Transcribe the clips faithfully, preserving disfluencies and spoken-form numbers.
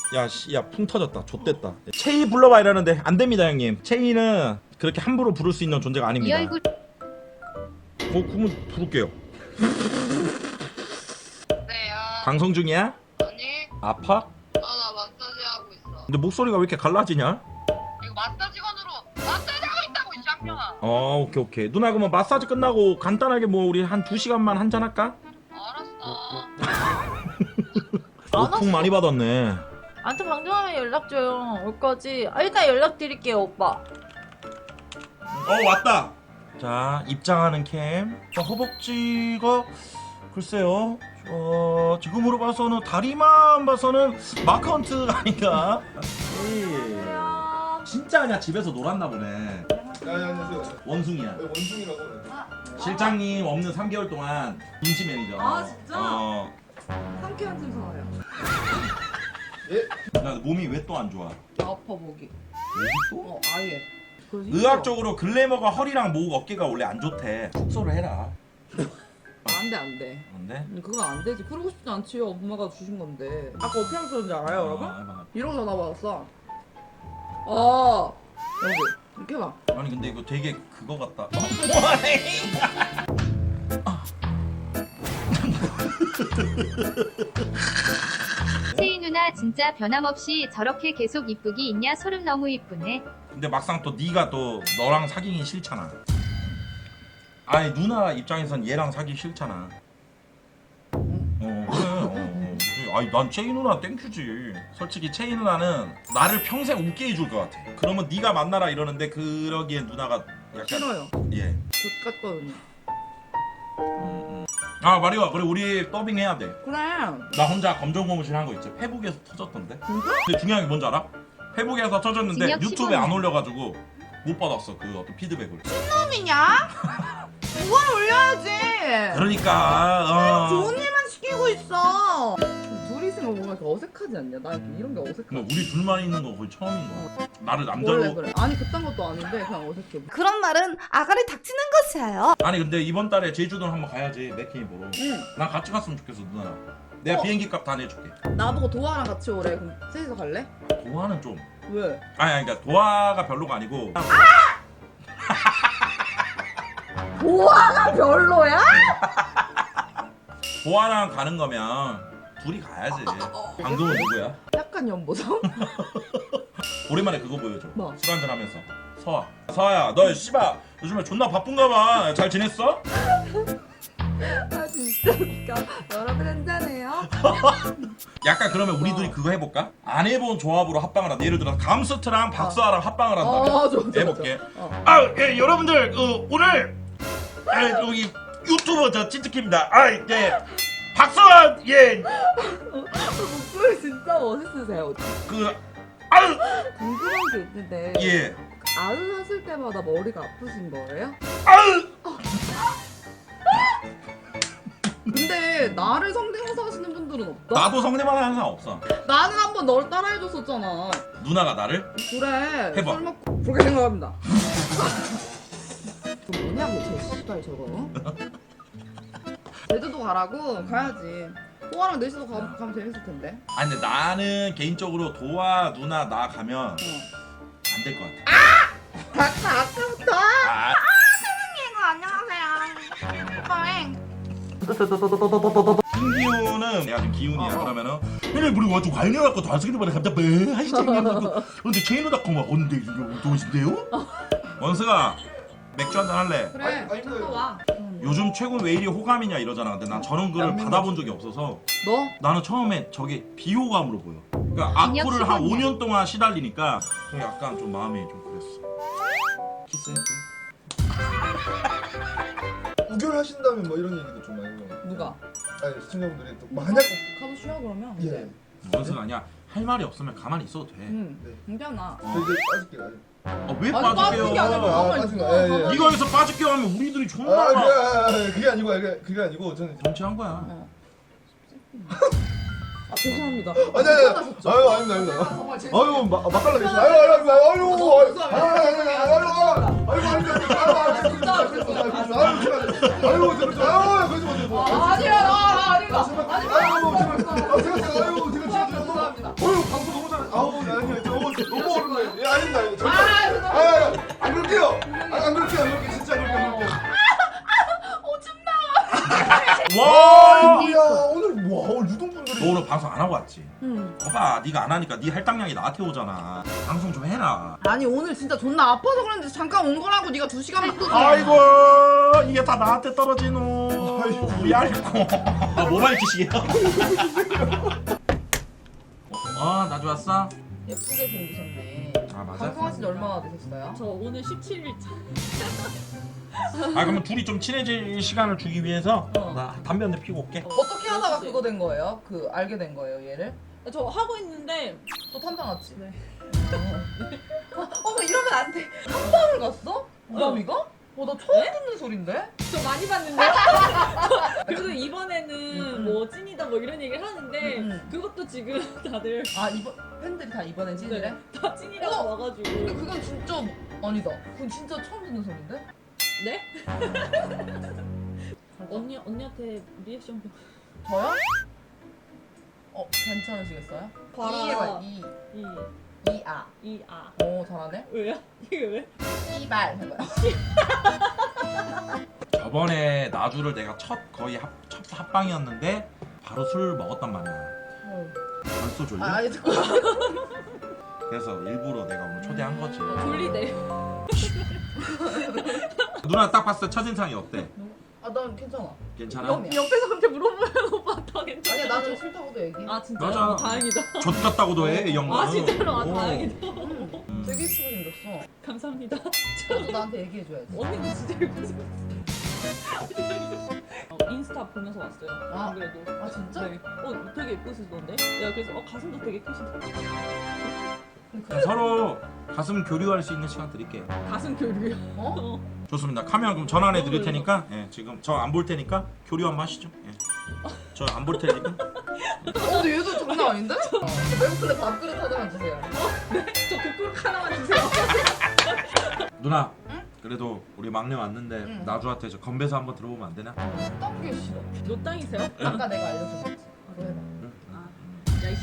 야, 씨, 야, 풍 터졌다. 좆됐다. 체이 불러봐 이러는데 안 됩니다, 형님. 체이는 그렇게 함부로 부를 수 있는 존재가 이 아닙니다. 얼굴 어, 그러면 부를게요. 네요. 방송 중이야? 아니, 아파? 아, 나 마사지 하고 있어. 근데 목소리가 왜 이렇게 갈라지냐? 이거 마사지건으로 마사지 하고 있다고, 이 쌍년아. 어, 오케이, 오케이. 누나, 그러면 마사지 끝나고 간단하게 뭐 우리 한 두 시간만 한잔 할까? 알았어. 어, 풍 많이 받았네. 아무튼 방송하면 연락 줘요. 올 거지. 아, 일단 연락 드릴게요, 오빠. 어, 왔다. 자, 입장하는 캠. 자, 허벅지가 글쎄요. 어, 지금으로 봐서는 다리만 봐서는 마크헌트가 아닌가? 에이. 안녕하세요. 진짜 그냥 집에서 놀았나 보네. 야, 야, 안녕하세요. 원숭이야. 네, 원숭이라고. 실장님 없는 삼 개월 동안 임시 매니저. 아, 진짜? 어. 상쾌한 순서예요. 예? 나 몸이 왜 또 안 좋아? 아파 목이. 목이 또? 어, 아예. 의학적으로 글래머가 허리랑 목, 어깨가 원래 안 좋대. 숙소를 해라. 안돼 안돼 근데? 그건 안 되지. 그러고 싶지 않지요. 엄마가 주신 건데. 아까 어떻게 하셨는지 알아요, 여러분? 아, 이러고 전화 받았어. 어 여기 이렇게 해봐. 아니 근데 이거 되게 그거 같다. 체이 누나 진짜 변함없이 저렇게 계속 이쁘기 있냐? 소름 너무 이쁘네. 근데 막상 또 네가 또 너랑 사귀기 싫잖아. 아니 누나 입장에선 얘랑 사귀기 싫잖아. 어 그래. 어, 어. 그치. 아니 난 체이 누나 땡큐지. 솔직히 체이 누나는 나를 평생 웃게 해줄 것 같아. 그러면 네가 만나라 이러는데 그러기엔 누나가 약간 싫어요. 예. 족 같거든요. 음, 음. 아 마리오 그래 우리 더빙 해야 돼. 그래. 나 혼자 검정고무신 한 거 있지. 페북에서 터졌던데. 진짜? 근데 중요한 게 뭔지 알아? 페북에서 터졌는데 징역 유튜브에 안 십오 년. 올려가지고 못 받았어 그 어떤 피드백을. 놈이냐? 그걸 올려야지. 그러니까 어. 좋은 일만 시키고 있어. 둘이 있으면 뭔가 이렇게 어색하지 않냐? 나 이렇게 이런 게 어색해. 뭐 우리 둘만 있는 거 거의 처음인 거. 나를 남자로. 원래 그래. 아니 그딴 것도 아닌데 그냥 어색해. 그런 말은 아가리 닥치는 것이에요. 아니 근데 이번 달에 제주도는 한번 가야지 맥케이 보러. 응. 난 같이 갔으면 좋겠어 누나랑. 내가 어. 비행기 값 다 내줄게. 나보고 도아랑 같이 오래. 그럼 셋이서 갈래? 도화는 좀. 왜? 아니 아니 그러니까 도화가 별로가 아니고. 도아가 별로야? 도화랑 가는 거면 둘이 가야지. 방금은 누구야? 약간 연보성? 오랜만에 그거 보여줘. 뭐? 술 한잔 하면서. 서아. 서아야, 너 씨발 요즘에 존나 바쁜가 봐. 잘 지냈어? 아 진짜 웃겨. 여러분 한잔해요. 약간 그러면 우리 둘이 그거 해볼까? 안 해본 조합으로 합방을 한다. 예를 들어 감스트랑 박서아랑 합방을 한다. 어, 좋아, 좋아, 해볼게. 좋아. 어. 아, 예, 여러분들 어, 오늘 예, 여기 유튜버 저 찐득입니다. 아, 예. 박서아 예. 목소리 진짜 멋있으세요. 그 아유 궁금한 게 있는데 예. 아유 하실 때마다 머리가 아프신 거예요? 아유 근데 나를 성대모사 하시는 분들은 없다? 나도 성대만 하는 사람 없어. 나는 한번 너를 따라해줬었잖아. 누나가 나를 그래. 해봐. 술 먹고 그렇게 생각합니다. 그 뭐냐고 저 씨발 저거. 제주도 가라고 가야지. 호아랑 넷이서 가, 가면 재밌을 텐데. 아니 근데 나는 개인적으로 도와 누나 나 가면 어. 안 될 것 같아. 아까 아까부터. 아, 안녕하세요. 오빠행. 김기훈은 내가 지금 기훈이야. 어, 어. 그러면은 얘네 우리 와좀 관련갖고 잘생긴 말에 갑자기 뭐 하시지? 근데 체인으로닷컴 왔는데 이거 좋으신데요? 원스가 맥주 한잔 할래? 그래. 아니, 아니, 저거 와. 요즘 최근 왜 이리 호감이냐 이러잖아. 근데 난 저런 글을 양면 받아본 적이 없어서 너? 나는 처음에 저게 비호감으로 보여. 그러니까 징역 악플을 한 십오 년. 오 년 동안 시달리니까 좀 약간 좀 마음이 좀 그랬어. 키스해. 우결하신다면 뭐 이런 얘기도 좀 많이 해요. 누가? 아니 시청자분들이 또 만약 가서 쉬어 그러면. 예. 이제. 원스가 아니야. 할 말이 없으면 가만히 있어도 돼. 응. 네. 괜찮아. 저 이제 빠질게요. 아, 왜 아니, 빠지는 게 아니라 빠질게요? 가만히 빠지는 있어. 거, 예, 예. 가만히 네가 여기서 빠질게 하면 우리들이 아, 존나 그게, 아, 아, 그게 아니고 그게, 그게 아니고 저는 정치한 거야. 어. 아 죄송합니다. 아니 아니 불편하셨죠? 아유 아닙니다 아닙니다. 정말 죄송해요. 아유 마 맛깔나 계시네. 아유 아유 아유 아유 아유 아유 아유 아유 아유 진짜 죄송해요. 아유 제가 아유 제가 아유 그러지 마세요. 아, 아니야, 아, 아니다. 아니다. 아유 제가 아유 제가 제가 죄송합니다. 아유 방송 너무 와 야 오늘 와 오늘 유동분들이. 너 오늘 방송 안 하고 왔지? 응. 봐봐 네가 안 하니까 네 할당량이 나한테 오잖아. 방송 좀 해라. 아니 오늘 진짜 존나 아파서 그랬는데 잠깐 온 거라고 네가 두 시간만. 아이고 이게 다 나한테 떨어지노. 아이고. 우리 알고. 아 모바일 기식이야. 아나 좋았어? 예쁘게 생기셨네. 아 맞아. 방송하신 지 얼마나 되셨어요? 저 오늘 십칠 일 차. 아 그러면 둘이 좀 친해질 시간을 주기 위해서 어. 나 담배 한 대 피고 올게. 어떻게 하다가 그거 된 거예요? 그 알게 된 거예요 얘를? 저 하고 있는데 또 탐방왔지? 네. 어, 어머 이러면 안 돼. 탐방을 갔어? 우람이가? 어, 나 처음 네? 듣는 소린데? 저 많이 봤는데. 그래도 이번에는 음. 뭐 찐이다 뭐 이런 얘기를 하는데 음. 그것도 지금 다들 아 이번 팬들이 다 이번엔 찐이래? 다 찐이라고 어? 와가지고. 근데 그건 진짜 아니다. 그건 진짜 처음 듣는 소린데? 네? 언니 언니한테 리액션 좀. 저요? 어 괜찮으시겠어요? 봐라. 이 해봐 이 이, 이아. 이, 아. 오 잘하네. 왜요? 이게 왜? 이발 해봐요. 저번에 나주를 내가 첫 거의 합, 첫 합방이었는데 바로 술 먹었단 말이야. 벌써 졸려? 아 아니 듣고. 그래서 일부러 내가 오늘 초대한 거지. 졸리대. 누나 딱 봤을 때 첫인상이 어때? 아난 괜찮아. 괜찮아? 영- 옆에서 그렇게 물어보면 오빠 다 괜찮아. 아니야 나는 싫다고도 얘기해. 아 진짜? 맞아. 어, 다행이다. 젖 같다고도 해, 이 형은. 아 진짜로? 아 오. 다행이다. 음, 되게 예쁘게 생겼어. 감사합니다. 너도 나한테 얘기해줘야지. 언니도 진짜 예쁘세요. 어, 인스타 보면서 왔어요. 아. 안 그래도. 아 진짜? 네. 어 되게 예쁘시던데? 야 그래서 어 가슴도 되게 크시던데. 그냥 서로 가슴 교류할 수 있는 시간 드릴게요. 가슴 교류요. 어? 좋습니다. 카메라 그럼 전환해 드릴 테니까 예, 지금 저 안 볼 테니까 교류 한번 하시죠. 예. 저 안 볼 테니까. 어 근데 얘도 장난 아닌데? 저 배고픈데 밥그릇 하나만 주세요. 저 국그릇 하나만 주세요. 누나. 그래도 우리 막내 왔는데 응. 나주한테 저 건배사 한번 들어보면 안 되나? 어떤 게 싫어? 너 땅이세요? 아까 내가 알려준 거지. 그거 해봐. 아, 야이씨.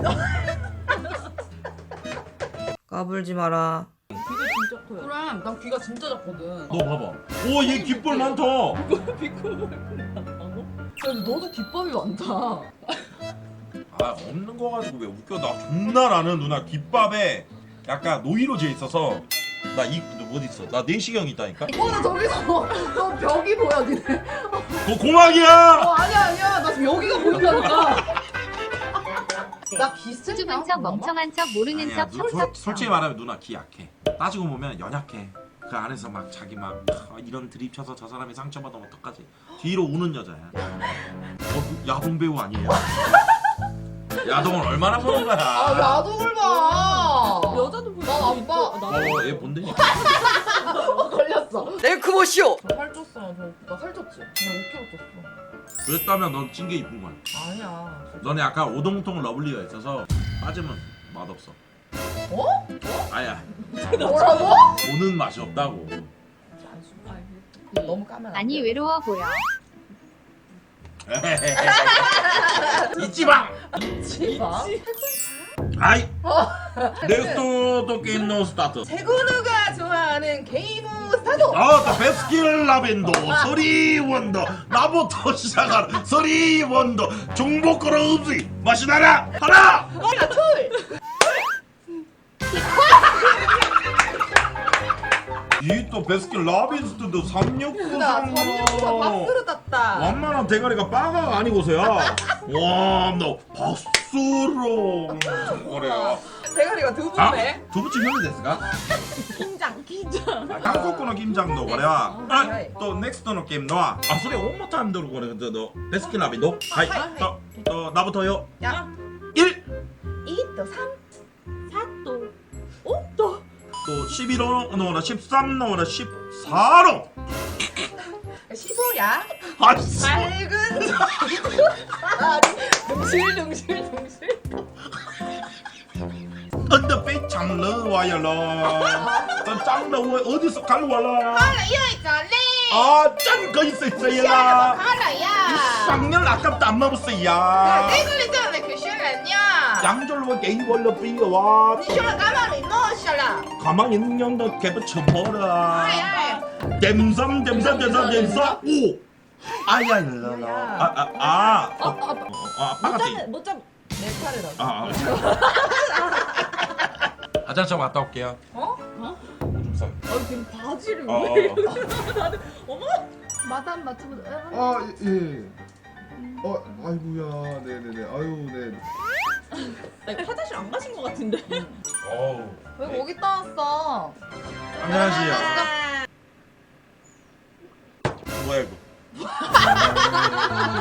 까불지 마라. 귀가 진짜 커요. 그래 난 귀가 진짜 작거든. 너 봐봐. 오, 얘 귓볼 많다. 비코를 한다고? 근데 너도 귓밥이 많다. 아, 없는 거 가지고 왜 웃겨? 나 존나 나는 누나 귓밥에 약간 노이로제 있어서 나 이 어디 있어? 나 내시경 있다니까. 어 나 저기서 너 벽이 보여 니네. 그거 고막이야. 어 아니야 아니야 나 지금 여기가 보인다니까. 나 기스 수줍은 척 멍청한 척 모르는 아니야, 척 누, 솔, 척척 솔직히 말하면 누나 기 약해. 따지고 보면 연약해. 그 안에서 막 자기 막 아, 이런 드립 쳐서 저 사람이 상처받으면 어떡하지? 뒤로 우는 여자야. 어, 야동 배우 아니에요? 야동을 얼마나 보는 거야? 아 야동을 봐. 여자도 보여. 난 안 봐. 어, 얘 본다니까. 어, 걸렸어. 내 그것이오. 살 쪘어. 저, 나 살쪘지? 그냥 오 킬로그램 쪘어. 그랬다면 넌 찐 게 이쁜 거야. 아니야. 너네 약간 오동통 러블리가 있어서 빠지면 맛없어. 어? 아야, 뭐라고? 오는 맛이 없다고. 너무 까면 안 돼. 아니 외로워 보여. 잊지 마. 지마. 아이. 넥스트 또 게임 노 스타트. 세구누가 좋아하는 게임 스타트. 아, 또 베스킨 라벤더, 서리 원더, 나부터 시작하는 서리 원더, 중복거로 음식 맛이 나라 하나. 하나 둘. 이 또 베스킨 라빈스도 삼육구 나 삼육구가 밥그릇 땄다. 완만한 대가리가 빠가 아니고서야. 와, 너 박수로 거래요. 대가리가 두 아, 분네. 두부치 형이 됐을까? 긴장 긴장. 아, 한국어の 김장도 거래와. 아, 또 넥스트의 게임 너와. 아,それ one more time どる 거래. 너, 너 베스킨 라빈 너. 하이. 또, 또 나부터요. 야. 일. 이 또 삼. 사또. 어? 또. 또 십일호 넣어라. 십삼 넣어라. 십사로. 십오야. 아씨. 밝은. 둥실 둥실 둥실. 언더 배 장르 와야라. 너 장르 어디서 갈와라. 이어있잖니. 아, 짠 거 있었어야. 하나야. 쌍년 아깝다 안 먹었어야. 내글리 때문에 그 시간이야. 양절로 게임 걸로 비와. 니 시간 가만히 넣으셔라. 가만히 있는 너 개부 쳐버라. 아이 아이. 댐섬 댐섬 댐섬 댐섬. 오. 아야 일러라. 아아 아. 어, 어, 어, 아빠가 돼. 못 잡. 내 차례라고. 아. 화장실 갔다 올게요. 어? 어? 오줌 싸. 아 지금 바지를 어. 왜 이렇게 다들 어머? 마담 맞춰보자. 아 예. 어 아이고야 네네네 아유 네. 나 이거 화장실 안 가신 것 같은데. 어우. 왜 거기 떠왔어? 안녕하세요. 뭐야 이거?